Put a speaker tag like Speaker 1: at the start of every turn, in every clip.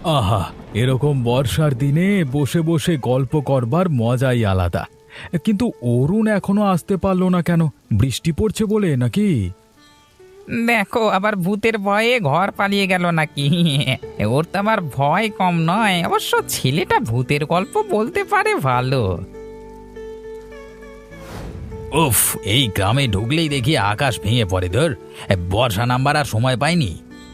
Speaker 1: আহা, এরকম বর্ষার দিনে বসে বসে গল্প করবার মজাই আলাদা। কিন্তু অরুণ এখনো আসতে পারলো না কেন? বৃষ্টি পড়ছে বলে নাকি?
Speaker 2: দেখো আবার ভূতের ভয়ে ঘর পালিয়ে গেল নাকি? ওর তো আমার ভয় কম নয়। অবশ্য ছেলেটা ভূতের গল্প বলতে পারে ভালো।
Speaker 1: উফ, এই গ্রামে ঢুকলেই দেখি আকাশ ভেঙে পড়ে। ধর, বর্ষা নামবার আর সময় পাইনি।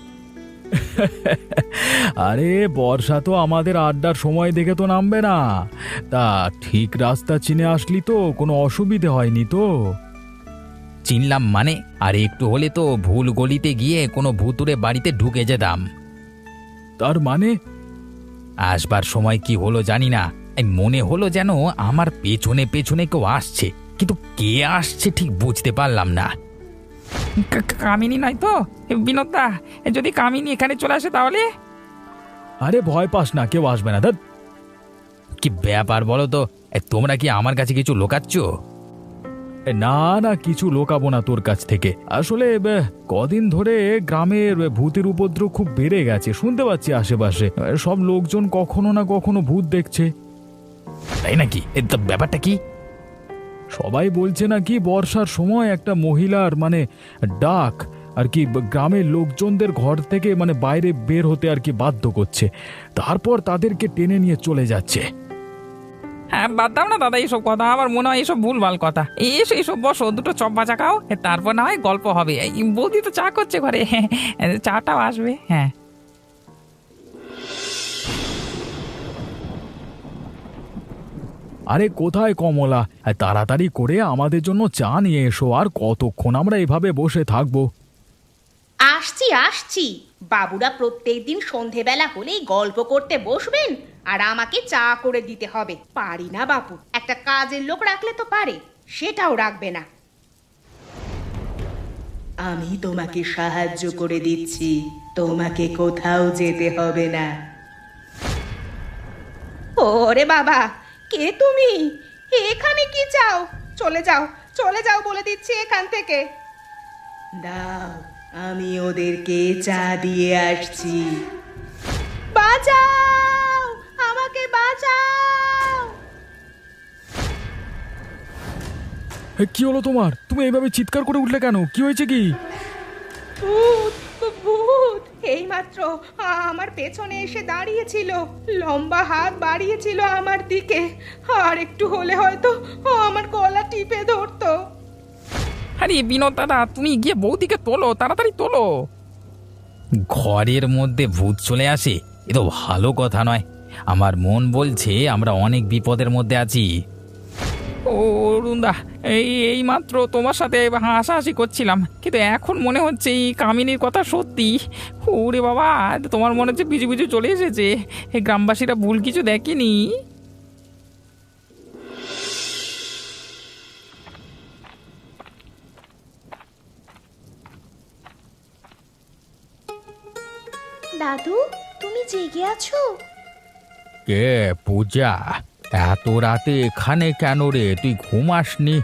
Speaker 1: আরে বর্ষা তো আমাদের আড্ডার সময় দেখে তো নামবে না। তা ঠিক রাস্তা চিনে আসলি তো? কোনো অসুবিধে হয়নি তো?
Speaker 2: চিনলাম মানে? আর একটু হলে তো ভুল গলিতে গিয়ে কোনো ভূতুরে বাড়িতে ঢুকে যেতাম।
Speaker 1: তার মানে?
Speaker 2: আসবার সময় কি হলো জানি না, এই মনে হলো যেন আমার পেছনে পেছনে কেউ আসছে, কিন্তু কে আসছে ঠিক বুঝতে পারলাম না। কামিনী নয় তো? বিনোদা, যদি কামিনী এখানে চলে আসে তাহলে?
Speaker 1: আরে ভয় পাস না, কেউ আসবে না। ধ্যাৎ।
Speaker 2: কি ব্যাপার বলো তো? তোমরা কি আমার কাছে কিছু লুকাচ্ছ?
Speaker 1: না না, কিছু লোকাবো না তোর কাছ থেকে। আসলে কদিন ধরে গ্রামের ভূতের উপদ্রব খুব বেড়ে গেছে, শুনতে পাচ্ছি আশেপাশে সব লোকজন কখনো না কখনো ভূত দেখছে।
Speaker 2: তাই নাকি? তো ব্যাপারটা কি?
Speaker 1: সবাই বলছে নাকি বর্ষার সময় একটা মহিলার ডাক আর কি গ্রামের লোকজনদের ঘর থেকে বাইরে বের হতে আর কি বাধ্য করছে, তারপর তাদেরকে টেনে নিয়ে চলে যাচ্ছে।
Speaker 2: হ্যাঁ, বাদ দাও না দাদা এইসব কথা। আমার মনে হয় এইসব ভুলভাল কথা। এসো এইসব, বসো, দুটো চপ ভাজা খাও, তারপর না হয় গল্প হবে। এই বৌদি তো চা করছে ঘরে, চাটাও আসবে। হ্যাঁ,
Speaker 1: আরে কোথায় কমলা, তাড়াতাড়ি করে আমাদের জন্য চা নিয়ে এসো। আর কতক্ষণ আমরা এভাবে বসে থাকবো?
Speaker 3: আসছি আসছি। বাবুরা প্রত্যেকদিন সন্ধেবেলা হলেই গল্প করতে বসবেন, আর আমাকে চা করে দিতে হবে। পারি না বাপু, একটা কাজের লোক রাখলে তো পারে, সেটাও রাখবে না। আমি তোমাকে সাহায্য করে দিচ্ছি, তোমাকে কোথাও যেতে হবে না। ওরে বাবা, কে তুমি? এখানে কি চাও? চলে যাও, চলে যাও বলে দিচ্ছি এখান থেকে। দাও, আমি ওদেরকে চা দিয়ে আসছি। বাঁচাও, আমাকে বাঁচাও।
Speaker 1: কি হলো তোমার? তুমি এইভাবে চিৎকার করে উঠলে কেন? কি হয়েছে কি?
Speaker 3: ভূত, ভূত এইমাত্র আমার পেছনে এসে দাঁড়িয়েছিল, লম্বা হাত বাড়িয়েছিল আমার দিকে, আর একটু হলে হয়তো আমার গলা টিপে ধরতো।
Speaker 2: আরে বিনোদ দাদা, তুমি গিয়ে বৌদিকে তোলো, তাড়াতাড়ি তোলো। ঘরের মধ্যে ভূত চলে আসে? এ তো ভালো কথা নয়। আমার মন বলছে আমরা অনেক বিপদের মধ্যে আছি। ও অরুণদা, এই মাত্র তোমার সাথে হাসাহাসি করছিলাম, কিন্তু এখন মনে হচ্ছে এই কামিনীর কথা সত্যি। ওরে বাবা, তোমার মনে হচ্ছে পিছু পিছু চলে এসেছে। এই গ্রামবাসীরা ভুল কিছু দেখেনি।
Speaker 3: দাদু, তুমি জেগে আছো?
Speaker 1: কে? পূজা, এত রাতে এখানে কেন রে? তুই ঘুমাসনি?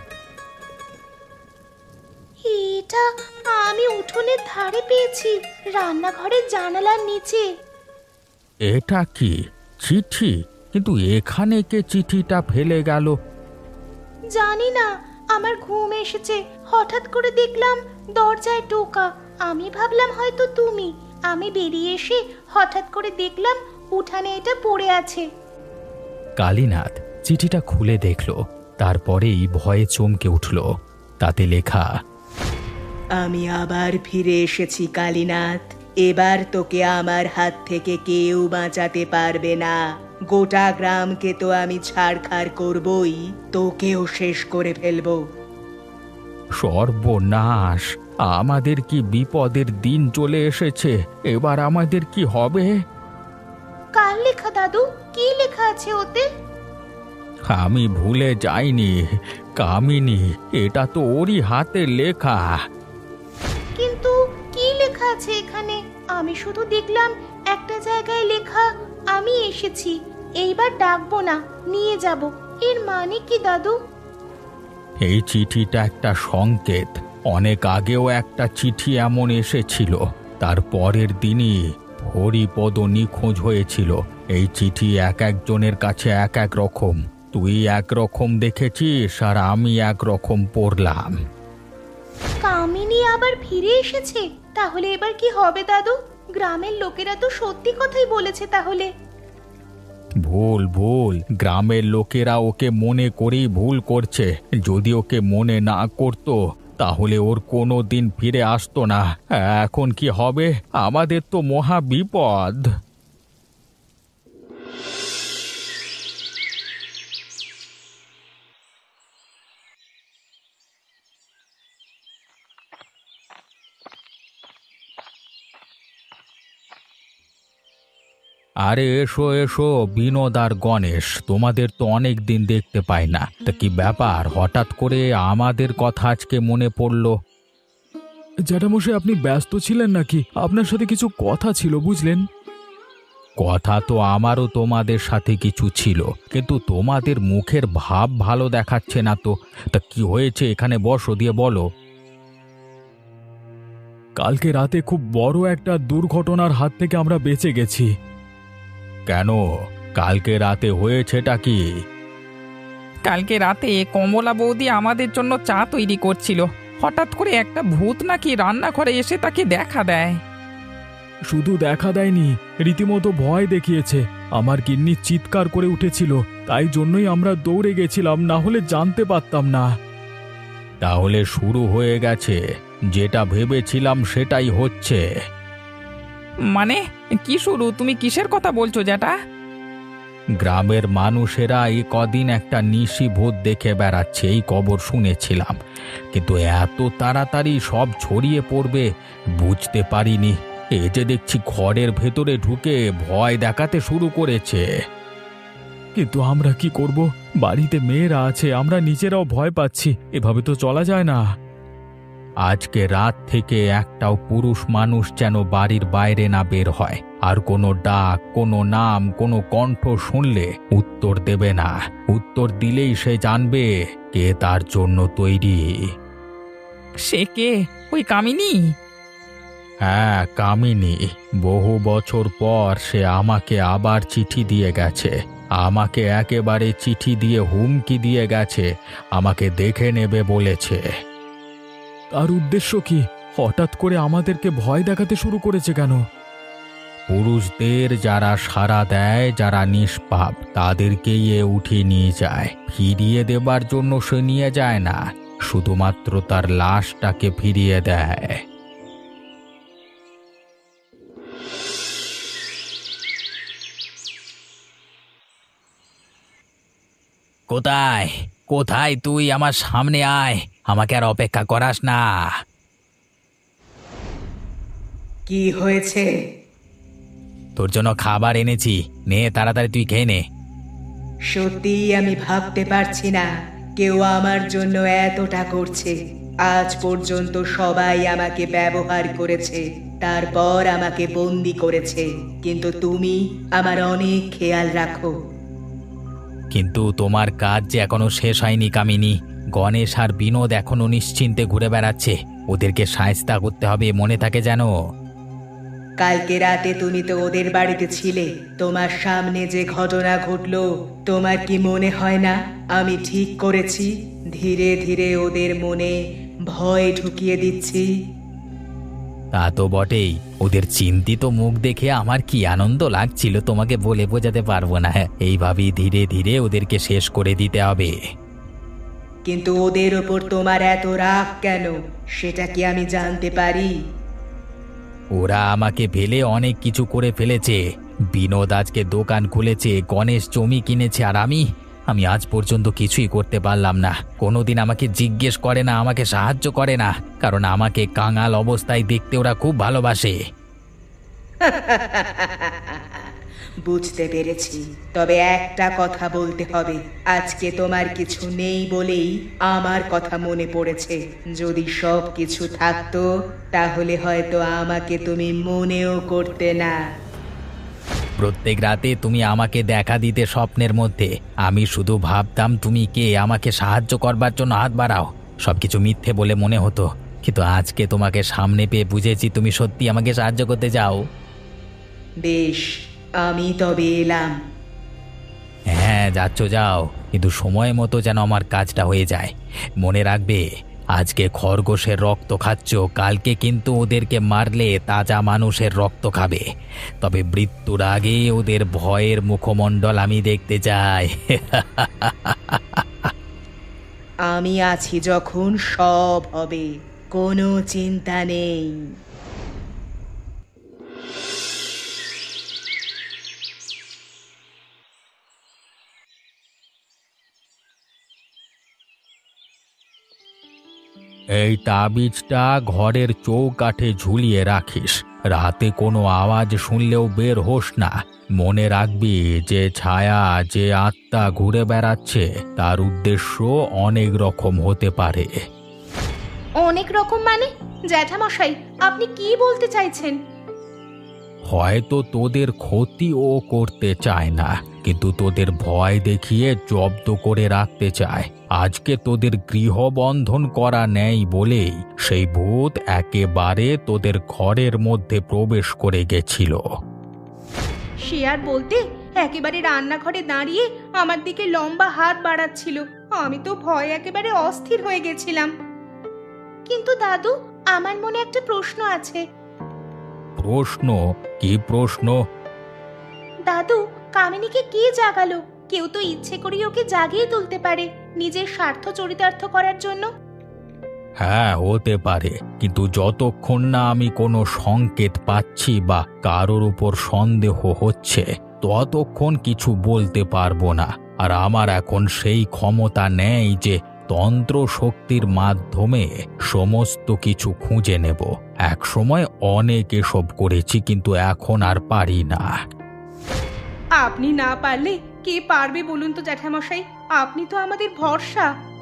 Speaker 3: এটা আমি উঠোনের ধারে পেয়েছি, রান্নাঘরের জানালার নিচে।
Speaker 1: এটা কি চিঠি? কিন্তু এখানে কে চিঠিটা ফেলে গেল?
Speaker 3: জানি না, আমার ঘুম এসেছে, হঠাৎ করে দেখলাম দরজায় টোকা। আমি ভাবলাম হয়তো তুমি। আমি বেরিয়ে এসে হঠাৎ করে দেখলাম উঠানে এটা পড়ে আছে।
Speaker 1: কালীনাথ চিঠিটা খুলে দেখল, তারপরেই ভয়ে চমকে উঠল। তাতে লেখা,
Speaker 3: আমি আবার ফিরে এসেছি কালীনাথ, এবার তোকে আমার হাত থেকে কেউ বাঁচাতে পারবে না। গোটা গ্রামকে তো আমি ছাড়খাড় করবই, তোকেও শেষ করে ফেলবো।
Speaker 1: সর্বনাশ! আমাদের কি বিপদের দিন চলে এসেছে! এবার আমাদের কি হবে?
Speaker 3: কার লেখা দাদু? কি লেখা আছে ওতে?
Speaker 1: আমি ভুলে যাইনি, কামিনী, এটা তো ওরই হাতে লেখা।
Speaker 3: কিন্তু কি লেখা আছে এখানে? আমি শুধু দেখলাম একটা জায়গায় লেখা, আমি এসেছি, এইবার ডাকবো না, নিয়ে যাব। এর মানে কি দাদু?
Speaker 1: এই চিঠিটা একটা সংকেত। অনেক আগেও একটা চিঠি এমন এসেছিল, তার পরের দিনই হরিপদ নিখোঁজ হয়েছিল। এই চিঠি এক একজনের কাছে এক এক রকম। তুই এক রকম দেখেছিস আর আমি এক রকম পড়লাম।
Speaker 4: কামিনী আবার ফিরে এসেছে? তাহলে এবার কি হবে দাদু? গ্রামের লোকেরা তো সত্যি কথাই বলেছে তাহলে।
Speaker 1: ভুল ভুল, গ্রামের লোকেরা ওকে মনে করেই ভুল করছে। যদি ওকে মনে না করতো তাহলে ওর কোনো দিন ফিরে আসতো না। এখন কি হবে? আমাদের তো মহা বিপদ। আরে এসো এসো বিনোদ আর গণেশ, তোমাদের তো অনেক দিন দেখতে পাই না। তা কি ব্যাপার, হঠাৎ করে আমাদের কথা আজকে মনে পড়লো? জ্যাঠামশাই, আপনি ব্যস্ত ছিলেন নাকি? আপনার সাথে কিছু কথা ছিল বুঝলেন। কথা তো আমারও তোমাদের সাথে কিছু ছিল, কিন্তু তোমাদের মুখের ভাব ভালো দেখাচ্ছে না তো। তা কি হয়েছে, এখানে বসো, দিয়ে বলো। কালকে রাতে খুব বড় একটা দুর্ঘটনার হাত থেকে আমরা বেঁচে গেছি। কেন, কালকে রাতে হয়েছেটা কি?
Speaker 2: কালকে রাতে কমলা বৌদি আমাদের জন্য চা তৈরি করছিল। হঠাৎ করে একটা ভূত নাকি রান্নাঘরে এসে তাকে দেখা দেয়।
Speaker 1: শুধু দেখা দেয়নি, রীতিমতো ভয় দেখিয়েছে। আমার গিন্নি চিৎকার করে উঠেছিল, তাই জন্যই আমরা দৌড়ে গেছিলাম, না হলে জানতে পারতাম না। তাহলে শুরু হয়ে গেছে, যেটা ভেবেছিলাম সেটাই হচ্ছে।
Speaker 2: মানে কি শুরু? তুমি কিসের কথা বলছো জ্যাঠা?
Speaker 1: গ্রামের মানুষেরা এই কদিন একটা নিশি ভূত দেখে বেড়াচ্ছে, এই খবর শুনেছিলাম, কিন্তু এত তাড়াতাড়ি সব ছড়িয়ে পড়বে বুঝতে পারিনি। এই যে দেখছি ঘরের ভেতরে ঢুকে ভয় দেখাতে শুরু করেছে। কিন্তু আমরা কি করব? বাড়িতে মেয়েরা আছে, আমরা নিজেরাও ভয় পাচ্ছি। এভাবে তো চলা যায় না। আজকে রাত থেকে একটাও পুরুষ মানুষ যেন বাড়ির বাইরে না বের হয়। আর কোনো ডাক, কোনো নাম, কোনো কণ্ঠ শুনলে উত্তর দেবে না। উত্তর দিলেই সে জানবে কে তার জন্য তৈরি।
Speaker 2: সে কে? ওই কামিনী?
Speaker 1: হ্যাঁ, কামিনী। বহু বছর পর সে আমাকে আবার চিঠি দিয়ে গেছে। আমাকে একেবারে চিঠি দিয়ে হুমকি দিয়ে গেছে, আমাকে দেখে নেবে বলেছে। তার উদ্দেশ্য কি? হঠাৎ করে আমাদেরকে ভয় দেখাতে শুরু করেছে কেন? পুরুষদের যারা সাড়া দেয়, যারা নিষ্পাপ, তাদেরকেই এ উঠিয়ে নিয়ে যায়। ফিরিয়ে দেবার জন্য সে নিয়ে যায় না, শুধুমাত্র তার লাশটাকে ফিরিয়ে দেয়।
Speaker 2: কোথায় কোথায় তুই? আমার সামনে আয়, আমাকে আর অপেক্ষা করাস না।
Speaker 3: কি হয়েছে?
Speaker 2: তোর জন্য খাবার এনেছি, নে তাড়াতাড়ি তুই খেয়ে নে।
Speaker 3: সত্যিই আমি ভাবতে পারছি না কেউ আমার জন্য এতটা করছে। আজ পর্যন্ত সবাই আমাকে ব্যবহার করেছে, তারপর আমাকে বন্দি করেছে, কিন্তু তুমি আমার অনেক খেয়াল রাখো।
Speaker 2: কিন্তু তোমার কাজ যে এখনো শেষ হয়নি কামিনী। গণেশ আর বিনোদ এখনো নিশ্চিন্তে ঘুরে বেড়াচ্ছে, ওদেরকে শায়েস্তা করতে হবে, মনে থাকে যেন।
Speaker 3: কালকে রাতে তুমি তো ওদের বাড়িতে ছিলে। তোমার সামনে যে ঘটনা ঘটলো, তোমার কি মনে হয় না আমি ঠিক করেছি? ধীরে ধীরে ওদের মনে ভয় ঢুকিয়ে দিচ্ছি।
Speaker 2: তা তো বটেই, ওদের চিন্তিত মুখ দেখে আমার কি আনন্দ লাগছিল তোমাকে বলে বোঝাতে পারবো না। এইভাবেই ধীরে ধীরে ওদেরকে শেষ করে দিতে হবে।
Speaker 3: কিন্তু ওদের ওপর তোমার এত রাগ কেন, সেটা কি আমি জানতে পারি?
Speaker 2: ওরা আমাকে ফেলে অনেক কিছু করে ফেলেছে। বিনোদ আজকে দোকান খুলেছে, গণেশ জমি কিনেছে, আর আমি আজ পর্যন্ত কিছুই করতে পারলাম না। কোনোদিন আমাকে জিজ্ঞেস করে না, আমাকে সাহায্য করে না, কারণ আমাকে কাঙাল অবস্থায় দেখতে ওরা খুব ভালোবাসে।
Speaker 3: বুঝতে পেরেছি, তবে একটা কথা বলতে হবে। আজকে তোমার কিছু নেই বলেই আমার কথা মনে পড়েছে। যদি সব কিছু থাকতো তাহলে হয়তো আমাকে তুমি মনেও করতে না।
Speaker 2: প্রত্যেক রাতে তুমি আমাকে দেখা দিতে স্বপ্নের মধ্যে। আমি শুধু ভাবতাম তুমি কে, আমাকে সাহায্য করবার জন্য হাত বাড়াও। সবকিছু মিথ্যে বলে মনে হতো, কিন্তু আজকে তোমাকে সামনে পেয়ে বুঝেছি তুমি সত্যি আমাকে সাহায্য করতে চাও।
Speaker 3: বেশ, আমি তবে এলাম।
Speaker 2: হ্যাঁ, যাচ্ছ যাও, কিন্তু সময় মতো যেন আমার কাজটা হয়ে যায়। মনে রাখবে, আজকে খরগোশের রক্ত খাচ্ছ, কালকে কিন্তু ওদেরকে মারলে তাজা মানুষের রক্ত খাবে। তবে মৃত্যুর আগে ওদের ভয়ের মুখমণ্ডল আমি দেখতে চাই।
Speaker 3: আমি আছি যখন সব হবে, কোনো চিন্তা নেই।
Speaker 1: এই তাবিজটা ঘরের চৌকাঠে ঝুলিয়ে রাখিস। রাতে কোনো আওয়াজ শুনলেও বের হোস না। মনে রাখবি, যে ছায়া, যে আত্মা ঘুরে বেড়াচ্ছে, তার উদ্দেশ্য অনেক রকম হতে পারে।
Speaker 4: অনেক রকম মানে? জ্যাঠামশাই, আপনি কি বলতে চাইছেন?
Speaker 1: হয়তো তোদের ক্ষতি ও করতে চায় না, কিন্তু তোদের ভয় দেখিয়ে জব্দ করে রাখতে চায়। আজকে তোদের গৃহবন্ধন করা নেই বলেই সেই ভূত একেবারে তোদের ঘরের মধ্যে প্রবেশ করে গেছিল।
Speaker 4: সে আর বলতে, একেবারে রান্নাঘরে দাঁড়িয়ে আমার দিকে লম্বা হাত বাড়াচ্ছিল। আমি তো ভয় একেবারে অস্থির হয়ে গেছিলাম। কিন্তু দাদু, আমার মনে একটা প্রশ্ন আছে।
Speaker 1: প্রশ্ন? কি প্রশ্ন?
Speaker 4: দাদু, কামিনীকে কে জাগালো? কেউ তো ইচ্ছে করেই ওকে জাগিয়ে তুলতে পারে, নিজের স্বার্থ চরিতার্থ করার জন্য।
Speaker 1: হ্যাঁ, হতে পারে, কিন্তু যতক্ষণ না আমি কোনো সংকেত পাচ্ছি বা কারোর উপর সন্দেহ হচ্ছে, ততক্ষণ কিছু বলতে পারবো না। আর আমার এখন সেই ক্ষমতা নেই যে তন্ত্র শক্তির মাধ্যমে সমস্ত কিছু খুঁজে নেব। একসময় অনেক এসব করেছি, কিন্তু এখন আর পারি না।
Speaker 4: আপনি না পারলে কে পারবে বলুন তো জ্যাঠামশাই? আপনি তো আমাদের ভরসা।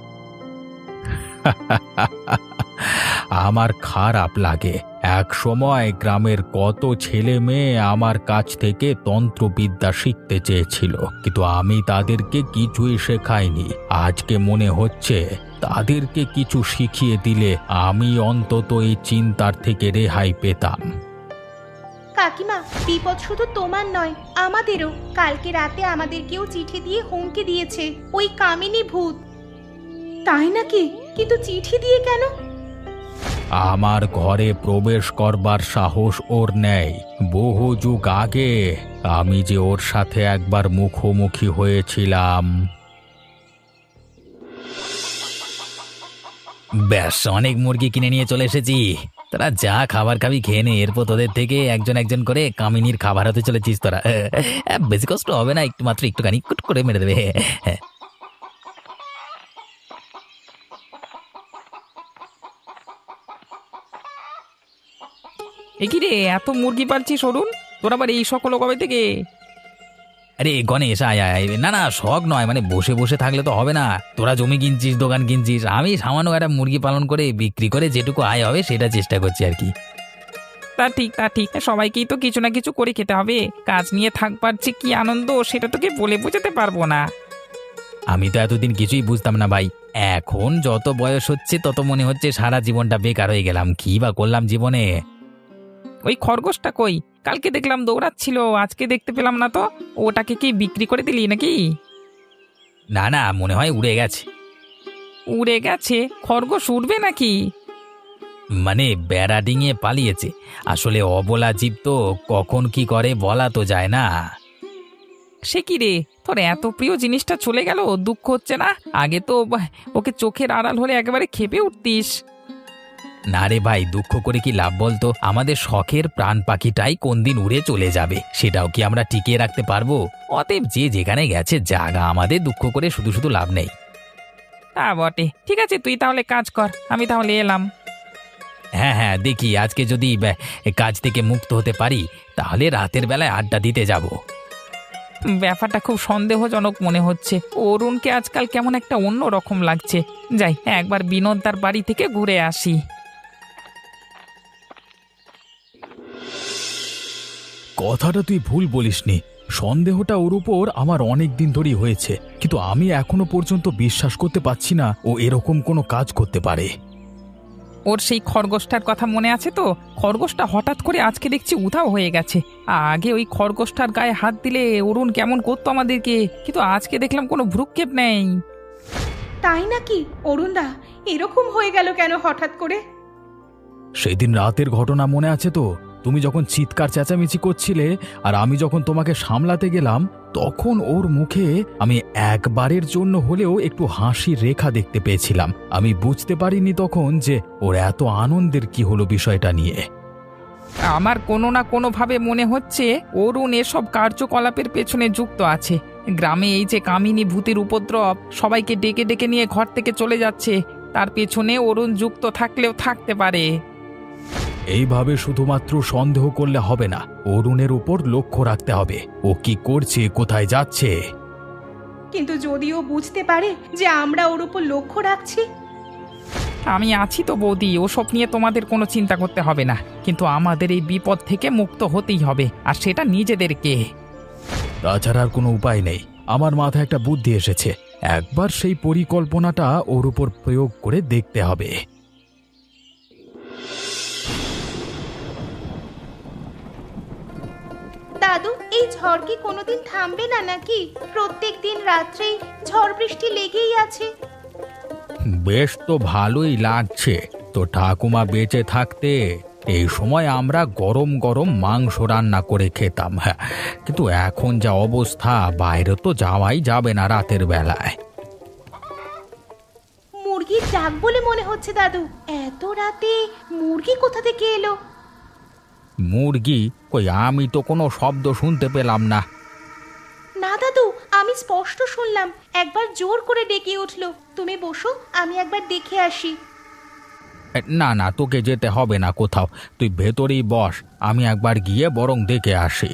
Speaker 1: আমার খারাপ লাগে, এক সময় গ্রামের কত ছেলে মেয়ে আমার কাছ থেকে তন্ত্রবিদ্যা শিখতে চেয়েছিল, কিন্তু আমি তাদেরকে কিছুই শেখাইনি। আজকে মনে হচ্ছে তাদেরকে কিছু শিখিয়ে দিলে আমি অন্তত এই চিন্তার থেকে রেহাই পেতাম।
Speaker 4: কাকিমা, বিপদ শুধু তোমার নয়, আমাদেরও। কালকে রাতে আমাদেরকেও চিঠি দিয়ে হুমকি দিয়েছে ওই কামিনী ভূত। তাই নাকি? কিন্তু চিঠি দিয়ে কেন?
Speaker 1: আমার ঘরে প্রবেশ করবার সাহস ওর নেই। বহু যুগ আগে আমি যে ওর সাথে একবার মুখোমুখি হয়েছিলাম।
Speaker 2: ব্যাস, অনেক মুরগি কিনে নিয়ে চলে এসেছি। তোরা যা খাবার খাবি খেয়ে নে, এরপর তোদের থেকে একজন একজন করে কামিনীর খাবার হতে চলেছিস তোরা। বেশি কষ্ট হবে না, একটু মাত্র একটুখানি কুট করে মেরে দেবে। এ কি রে, এত মুরগি পালছিস অরুণ? তোর আবার এই সকল কবে থেকে? আরে গণেশ, আয় আয়। না না, শখ নয়, মানে বসে বসে থাকলে তো হবে না। তোরা জমি কিনছিস, দোকান কিনছিস, আমি সামান্য একটা মুরগি পালন করে বিক্রি করে যেটুকু আয় হবে সেটা চেষ্টা করছি আর কি। তা ঠিক, তা ঠিক, সবাইকেই তো কিছু না কিছু করে খেতে হবে। কাজ নিয়ে থাকবার যে কি আনন্দ, সেটা তোকে বলে বোঝাতে পারবো না। আমি তো এতদিন কিছুই বুঝতাম না ভাই। এখন যত বয়স হচ্ছে তত মনে হচ্ছে সারা জীবনটা বেকার হয়ে গেলাম। কি বা করলাম জীবনে? ওই খরগোশটা কই? কালকে দেখলাম দৌড়াচ্ছিল, আজকে দেখতে পেলাম না তো। ওটাকে কি বিক্রি করে দিলি নাকি? না না, মনে হয় উড়ে গেছে। উড়ে গেছে? খরগোশ উড়বে নাকি? মানে বেড়া ডিঙিয়ে পালিয়েছে। আসলে অবলা জীব তো, কখন কি করে বলা তো যায় না। সে কি রে, তোর এত প্রিয় জিনিসটা চলে গেল, দুঃখ হচ্ছে না? আগে তো ওকে চোখের আড়াল হলে একেবারে ক্ষেপে উঠতিস। না রে ভাই, দুঃখ করে কি লাভ বলতো? আমাদের শখের প্রাণ পাখিটাই কোন দিন উড়ে চলে যাবে, সেটাও কি আমরা টিকিয়ে রাখতে পারবো? অতএব যে যেখানে গেছে জাগা, আমাদের দুঃখ করে শুধু শুধু লাভ নেই। তা বটে। ঠিক আছে, তুই তাহলে কাজ কর, আমি তাহলে এলাম। হ্যাঁ হ্যাঁ, দেখি আজকে যদি কাজ থেকে মুক্ত হতে পারি, তাহলে রাতের বেলায় আড্ডা দিতে যাব। ব্যাপারটা খুব সন্দেহজনক মনে হচ্ছে। অরুণকে আজকাল কেমন একটা অন্য রকম লাগছে। যাই, একবার বিনোদ তার বাড়ি থেকে ঘুরে আসি।
Speaker 1: কথাটা তুই ভুল বলিসনি। সন্দেহটা ওর উপর আমার অনেক দিন ধরেই হয়েছে, কিন্তু আমি এখনো পর্যন্ত বিশ্বাস করতে পারছি না ও এরকম কোনো কাজ করতে পারে।
Speaker 5: ওর সেই খরগোশটার কথা মনে আছে তো? খরগোশটা হঠাৎ করে আজকে দেখছি উধাও হয়ে গেছে। আগে ওই খরগোশটার গায়ে হাত দিলে অরুণ কেমন করতো আমাদেরকে, কিন্তু আজকে দেখলাম কোনো ভ্রুক্ষেপ নেই।
Speaker 4: তাই নাকি অরুণদা? এরকম হয়ে গেল কেন হঠাৎ করে?
Speaker 1: সেদিন রাতের ঘটনা মনে আছে তো? তুমি যখন চিৎকার চেঁচামেচি করছিলে আর আমি যখন তোমাকে সামলাতে গেলাম, তখন ওর মুখে আমি একবারের জন্য হলেও একটু হাসির রেখা দেখতে পেয়েছিলাম। আমি বুঝতে পারিনি তখন যে ওর এত আনন্দের কি হলো বিষয়টা নিয়ে।
Speaker 5: আমার কোনো না কোনোভাবে মনে হচ্ছে অরুণ এসব কার্যকলাপের পেছনে যুক্ত আছে। গ্রামে এই যে কামিনী ভূতের উপদ্রব, সবাইকে ডেকে ডেকে নিয়ে ঘর থেকে চলে যাচ্ছে, তার পেছনে অরুণ যুক্ত থাকলেও থাকতে পারে।
Speaker 1: এইভাবে শুধুমাত্র সন্দেহ করলে হবে না, অরুণের উপর লক্ষ্য রাখতে হবে। ও কি করছে, কোথায় যাচ্ছে।
Speaker 4: কিন্তু যদিও বুঝতে পারে যে আমরা ওর উপর লক্ষ্য রাখছি।
Speaker 5: আমি আছি তো বৌদি, ওসব নিয়ে তোমাদের কোনো চিন্তা করতে হবে না। কিন্তু আমাদের এই বিপদ থেকে মুক্ত হতেই হবে, আর সেটা নিজেদেরকে।
Speaker 1: তাছাড়া আর কোনো উপায় নেই। আমার মাথায় একটা বুদ্ধি এসেছে, একবার সেই পরিকল্পনাটা ওর উপর প্রয়োগ করে দেখতে হবে।
Speaker 4: দাদু, এই ঝড় কি কোনোদিন থামবে না নাকি? প্রত্যেক দিন রাত্রেই ঝড় বৃষ্টি লেগেই আছে।
Speaker 2: বেশ তো ভালোই লাগছে। তো ঠাকুমা বেঁচে থাকতে এই সময় আমরা গরম গরম মাংস রান্না করে খেতাম। হ্যাঁ, কিন্তু এখন যা অবস্থা, বাইরে তো যাওয়াই যাবে না রাতের বেলায়।
Speaker 4: মুরগির ডাক বলে মনে হচ্ছে দাদু। এত রাতে মুরগি কোথা থেকে এলো?
Speaker 2: মুরগি কই? আমি তো কোনো শব্দ শুনতে পেলাম না।
Speaker 4: না দাদু, আমি স্পষ্ট শুনলাম। একবার জোর করে ডেকে উঠলো। তুমি বসো, আমি একবার দেখে আসি।
Speaker 2: না না, তোকে যেতে হবে না কোথাও, তুই ভেতরেই বস, আমি একবার গিয়ে বরং দেখে আসি।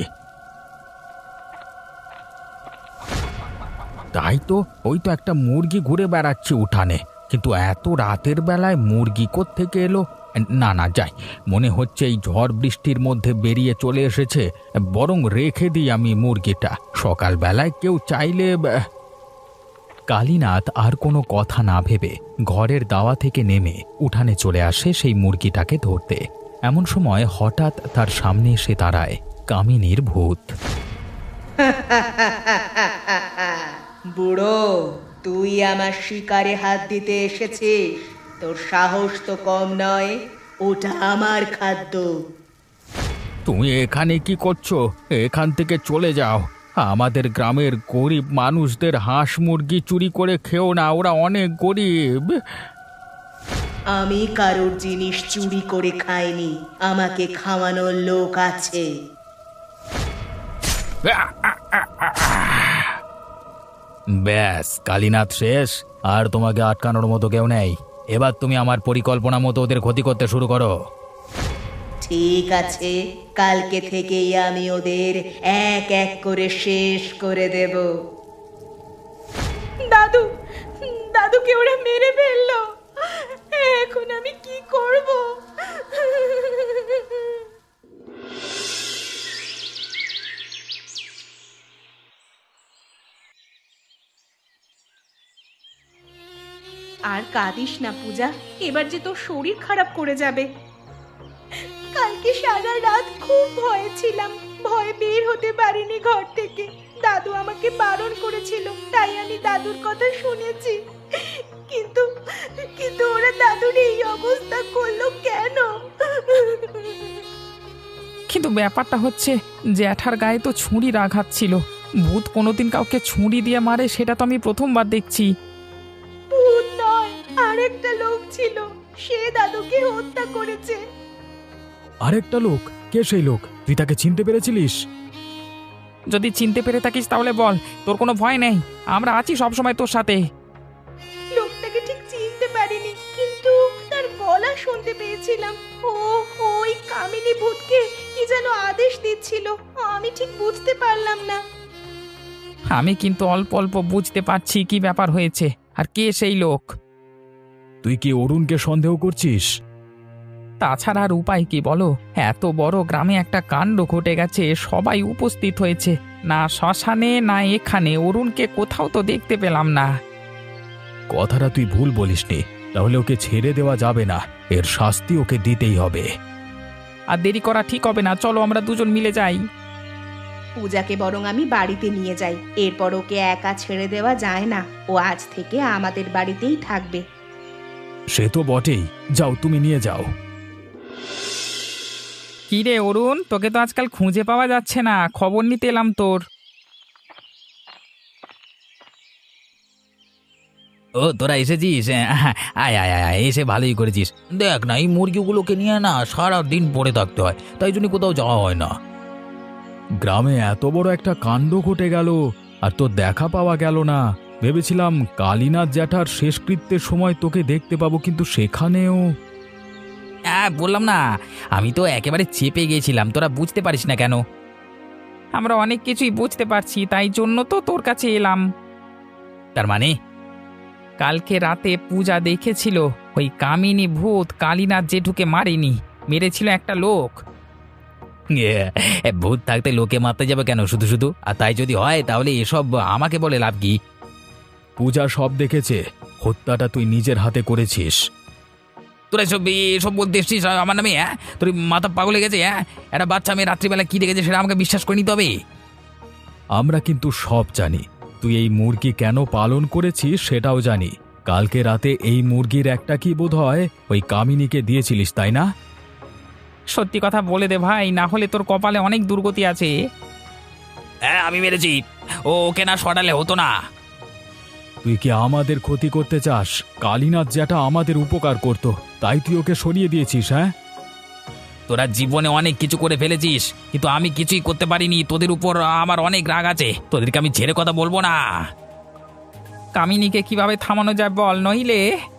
Speaker 2: তাই তো, ওই তো একটা মুরগি ঘুরে বেড়াচ্ছে উঠানে, কিন্তু এত রাতের বেলায় মুরগি কোত্থেকে এলো? না না, যাই, মনে হচ্ছে এই ঝড় বৃষ্টির মধ্যে বেরিয়ে চলে এসেছে। বরং রেখে দিই আমি মুরগিটা, সকালবেলায় কেউ চাইলে।
Speaker 1: কালীনাথ আর কোনো কথা না ভেবে ঘরের দাওয়া থেকে নেমে উঠানে চলে আসে সেই মুরগিটাকে ধরতে। এমন সময় হঠাৎ তার সামনে এসে দাঁড়ায় কামিনীর ভূত।
Speaker 3: বুড়ো, তুই আমার শিকারে হাত দিতে এসেছিস? তোর সাহস তো কম নয়। ওটা আমার খাদ্য।
Speaker 2: তুমি এখানে কি করছো? এখান থেকে চলে যাও। আমাদের গ্রামের গরিব মানুষদের হাঁস মুরগি চুরি করে খেও না, ওরা অনেক গরিব।
Speaker 3: আমি কারোর জিনিস চুরি করে খাইনি, আমাকে খাওয়ানোর লোক আছে।
Speaker 2: ব্যাস, কালীনাথ শেষ, আর তোমাকে আটকানোর মতো কেউ নেই। এবার তুমি আমার পরিকল্পনা মতো ওদের ক্ষতি করতে শুরু করো।
Speaker 3: ঠিক আছে, কালকে থেকেই আমি ওদের এক এক করে শেষ করে দেব।
Speaker 4: দাদু, দাদুকে ওরা মেরে ফেললো। এখন আমি কি করব? আর কাঁদিস না পূজা, এবার যে তোর শরীর খারাপ করে যাবে। কালকে সারা রাত খুব ভয়ে ছিলাম, ভয়ে বের হতে পারিনি ঘর থেকে। দাদু আমাকে বারণ করেছিল, তাই আমি দাদুর কথা শুনেছি। কিন্তু কিন্তু ওরা দাদুর এই অবস্থা করলো কেন?
Speaker 5: কিন্তু ব্যাপারটা হচ্ছে, জ্যাঠার গায়ে তো ছুরির আঘাত ছিল। ভূত কোনোদিন কাউকে ছুরি দিয়ে মারে সেটা তো আমি প্রথমবার দেখছি।
Speaker 4: ভূত নয়, আরেকটা লোক ছিল, সে দাদুকে হত্যা করেছে।
Speaker 1: আরেকটা লোক? কে সেই লোক? তুই তাকে চিনতে পেরেছিলিস?
Speaker 5: যদি চিনতে পেরে থাকিস তাহলে বল, তোর কোনো ভয় নেই, আমরা আছি সবসময় তোর সাথে।
Speaker 4: লোকটাকে ঠিক চিনতে পারিনি, কিন্তু তার গলা শুনতে পেয়েছিলাম। ও ওই কামিনী ভূতকে কি যেন আদেশ দিচ্ছিল, আমি ঠিক বুঝতে পারলাম না।
Speaker 5: আমি কিন্তু অল্প অল্প বুঝতে পারছি কি ব্যাপার হয়েছে, আর কে সেই লোক।
Speaker 1: তুই কি অরুণকে সন্দেহ করছিস?
Speaker 5: তাছাড়া আর উপায় কি বলো? এত বড় গ্রামে একটা কাণ্ড ঘটে গেছে, সবাই উপস্থিত হয়েছে, না শ্মশানে না এখানে অরুণকে কোথাও তো দেখতে পেলাম না।
Speaker 1: কথাটা তুই ভুল বলিসনি। তাহলে ওকে ছেড়ে দেওয়া যাবে না, এর শাস্তি ওকে দিতেই হবে।
Speaker 5: আর দেরি করা ঠিক হবে না, চলো আমরা দুজন মিলে যাই।
Speaker 4: পূজাকে বরং আমি বাড়িতে নিয়ে যাই, এরপর ওকে একা ছেড়ে দেওয়া যায় না। ও আজ থেকে আমাদের বাড়িতেই থাকবে।
Speaker 1: সে তো বটেই, যাও তুমি নিয়ে যাও।
Speaker 5: কি রে অরুণ, তোকে তো আজকাল খুঁজে পাওয়া যাচ্ছে না, খবর নিতে এলাম তোর।
Speaker 2: ও তোরা এসেছিস? আয় আয় আয় আয়, এসে ভালোই করেছিস। দেখ না, এই মুরগিগুলোকে নিয়ে না সারা দিন পড়ে থাকতে হয়, তাই জন্য কোথাও যাওয়া হয় না।
Speaker 1: গ্রামে এত বড় একটা কাণ্ড ঘটে গেল আর তোর দেখা পাওয়া গেল না। ভেবেছিলাম কালীনাথ জ্যাঠার শেষকৃত্যের সময় তোকে দেখতে পাবো, কিন্তু সেখানেও।
Speaker 2: হ্যাঁ বললাম না, আমি তো একেবারে চেপে গিয়েছিলাম, তোরা বুঝতে পারিস না কেন?
Speaker 5: আমরা অনেক কিছুই বুঝতে পারছি, তাই জন্য তো তোর কাছে এলাম।
Speaker 2: তার মানে?
Speaker 5: কালকে রাতে পূজা দেখেছিল ওই কামিনী ভূত কালীনাথ জেঠুকে মারেনি, মেরেছিল একটা লোক।
Speaker 2: ভূত থাকতে লোকে মারতে যাবে কেন শুধু শুধু? আর তাই যদি হয় তাহলে এসব আমাকে বলে লাভ কি?
Speaker 1: পূজা সব দেখেছে, হত্যাটা তুই নিজের হাতে করেছিস।
Speaker 2: তোরা এসব বলতে এসছিস আমার নামে? হ্যাঁ, তোর মাথা পাগল হয়ে গেছে? হ্যাঁ, একটা বাচ্চা মেয়ে রাত্রিবেলা কি দেখেছে সেটা আমাকে বিশ্বাস করে নিতে হবে?
Speaker 1: আমরা কিন্তু সব জানি, তুই এই মুরগি কেন পালন করেছিস সেটাও জানি। কালকে রাতে এই মুরগির একটা কি বোধ হয় ওই কামিনীকে দিয়েছিলিস, তাই না?
Speaker 5: সত্যি কথা বলে দে ভাই, না হলে তোর কপালে অনেক দুর্গতি আছে।
Speaker 2: হ্যাঁ আমি মেরেছি, ওকে না সরালে হতো না।
Speaker 1: তুই কি আমাদের ক্ষতি করতে চাস? কালীনাথ যেটা আমাদের উপকার করত, তাই তুই ওকে সরিয়ে দিয়েছিস? হ্যাঁ,
Speaker 2: তোরা জীবনে অনেক কিছু করে ফেলেছিস, কিন্তু আমি কিছুই করতে পারিনি। তোদের উপর আমার অনেক রাগ আছে, তোদেরকে আমি ছেড়ে কথা বলবো না।
Speaker 5: কামিনীকে কিভাবে থামানো যায় বল, নইলে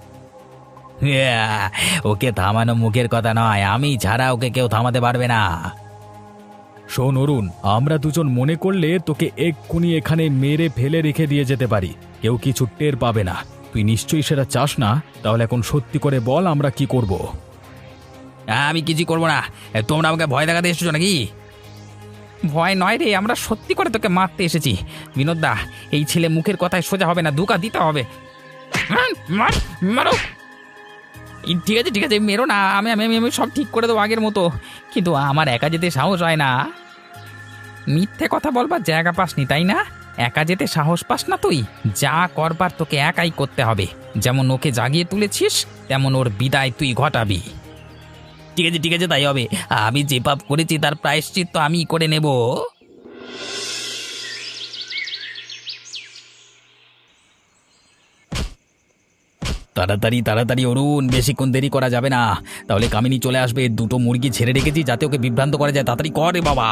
Speaker 2: ওকে থামানো মুখের কথা নয়, আমি ছাড়া ওকে কেউ থামাতে পারবে না।
Speaker 1: শোন অরুণ, আমরা দুজন মনে করলে তোকে এক্ষুনি এখানে মেরে ফেলে রেখে দিয়ে যেতে পারি, কেউ কিছু টের পাবে না। তুই নিশ্চয়ই সেটা চাস না, তাহলে এখন সত্যি করে বল আমরা কি করব?
Speaker 2: আমি কিছুই করবো না, তোমরা আমাকে ভয় দেখাতে এসেছো নাকি?
Speaker 5: ভয় নয় রে, আমরা সত্যি করে তোকে মারতে এসেছি। বিনোদদা, এই ছেলে মুখের কথায় সোজা হবে না, ধোঁকা দিতে হবে। মারো। ঠিক আছে ঠিক আছে, মেরো না, আমি আমি আমি সব ঠিক করে দেবো আগের মতো, কিন্তু আমার একা যেতে সাহস হয় না। মিথ্যে কথা বলবার জায়গা পাসনি তাই না? একা যেতে সাহস পাস না তুই? যা করবার তোকে একাই করতে হবে। যেমন ওকে জাগিয়ে তুলেছিস, তেমন ওর বিদায় তুই ঘটাবি।
Speaker 2: ঠিক আছে তাই হবে। আমি যে পাপ করেছি তার প্রায়শ্চিত্ত আমি করে নেব। তাড়াতাড়ি তাড়াতাড়ি অরুণ, বেশিক্ষণ দেরি করা যাবে না, তাহলে কামিনী চলে আসবে। দুটো মুরগি ছেড়ে রেখেছি যাতে ওকে বিভ্রান্ত করা যায়, তাড়াতাড়ি কর রে বাবা।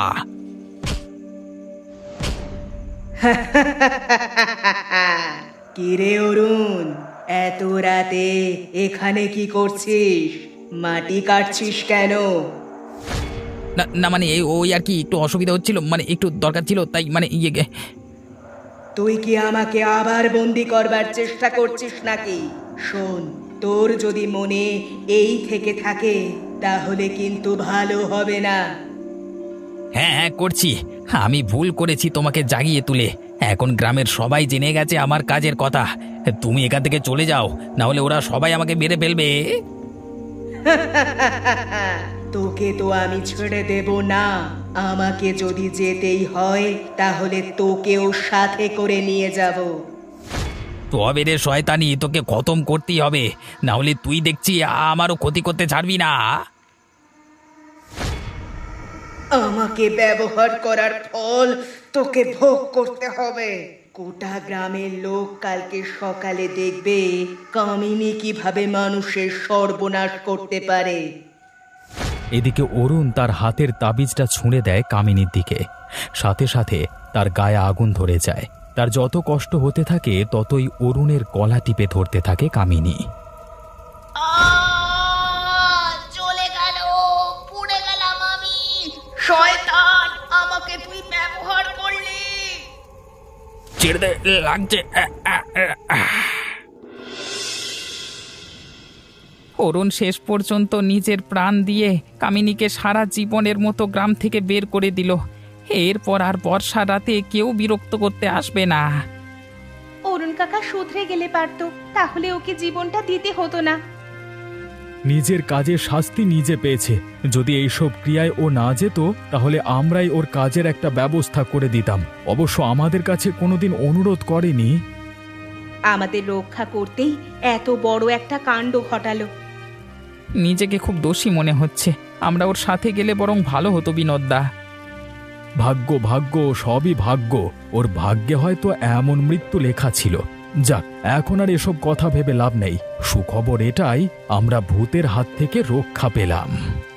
Speaker 3: কিরে অরুণ, এত রাতে এখানে কি করছিস? মাটি কাটছিস কেন?
Speaker 2: না না মানে ওই আর কি, একটু অসুবিধা হচ্ছিল, মানে একটু দরকার ছিল, তাই মানে
Speaker 3: তুই কি আমাকে আবার বন্দি করবার চেষ্টা করছিস নাকি? শোন, তোর যদি মনে এই থেকে থাকে তাহলে কিন্তু ভালো হবে না।
Speaker 2: হ্যাঁ হ্যাঁ করছি, আমি ভুল করেছি তোমাকে জাগিয়ে তুলে। এখন গ্রামের সবাই জেনে গেছে আমার কাজের কথা। তুমি এখান থেকে চলে যাও, না হলে ওরা সবাই আমাকে মেরে ফেলবে।
Speaker 3: তোকে তো আমি ছেড়ে দেব না। আমাকে যদি যেতেই হয় তাহলে তোকেও সাথে করে নিয়ে যাব।
Speaker 2: তবে রে শয়তানি, তোকে খতম করতেই হবে, না হলে তুই দেখছি আমারও ক্ষতি করতে ছাড়বি না।
Speaker 3: আমাকে ব্যবহার করার ফল তোকে ভোগ করতে হবে। গোটা গ্রামের লোক কালকে সকালে দেখবে কামিনী কিভাবে মানুষের সর্বনাশ করতে পারে।
Speaker 1: এদিকে অরুণ তার হাতের তাবিজটা ছুঁড়ে দেয় কামিনীর দিকে, সাথে সাথে তার গায়ে আগুন ধরে যায়। তার যত কষ্ট হতে থাকে ততই অরুণের গলা টিপে ধরতে থাকে কামিনী।
Speaker 4: চলে গেল, পুড়ে গেলাম আমি। শয়তান, আমাকে তুই ব্যবহার করলি।
Speaker 2: ছেড়ে দে, লাগছে।
Speaker 5: অরুণ শেষ পর্যন্ত নিজের প্রাণ দিয়ে কামিনীকে সারা জীবনের মতো গ্রাম থেকে বের করে দিল। এরপর আর বর্ষা রাতে কেউ বিরক্ত করতে আসবে না।
Speaker 4: অরুণ কাকা শুধরে গেলে পারতো, তাহলে ওকে জীবনটা দিতে হতো না।
Speaker 1: নিজের কাজের শাস্তি নিজে পেয়েছে। যদি এইসব ক্রিয়ায় ও না যেত তাহলে আমরাই ওর কাজের একটা ব্যবস্থা করে দিতাম। অবশ্য আমাদের কাছে কোনোদিন অনুরোধ করেনি।
Speaker 4: আমাদের রক্ষা করতেই এত বড় একটা কাণ্ড ঘটালো।
Speaker 5: নিজেকে খুব দোষী মনে হচ্ছে। আমরা ওর সাথে গেলে বরং ভালো হতো বিনোদদা।
Speaker 1: ভাগ্য ভাগ্য সবই ভাগ্য। ওর ভাগ্যে হয়তো এমন মৃত্যু লেখা ছিল। যাক, এখন আর এসব কথা ভেবে লাভ নেই। সুখবর এটাই, আমরা ভূতের হাত থেকে রক্ষা পেলাম।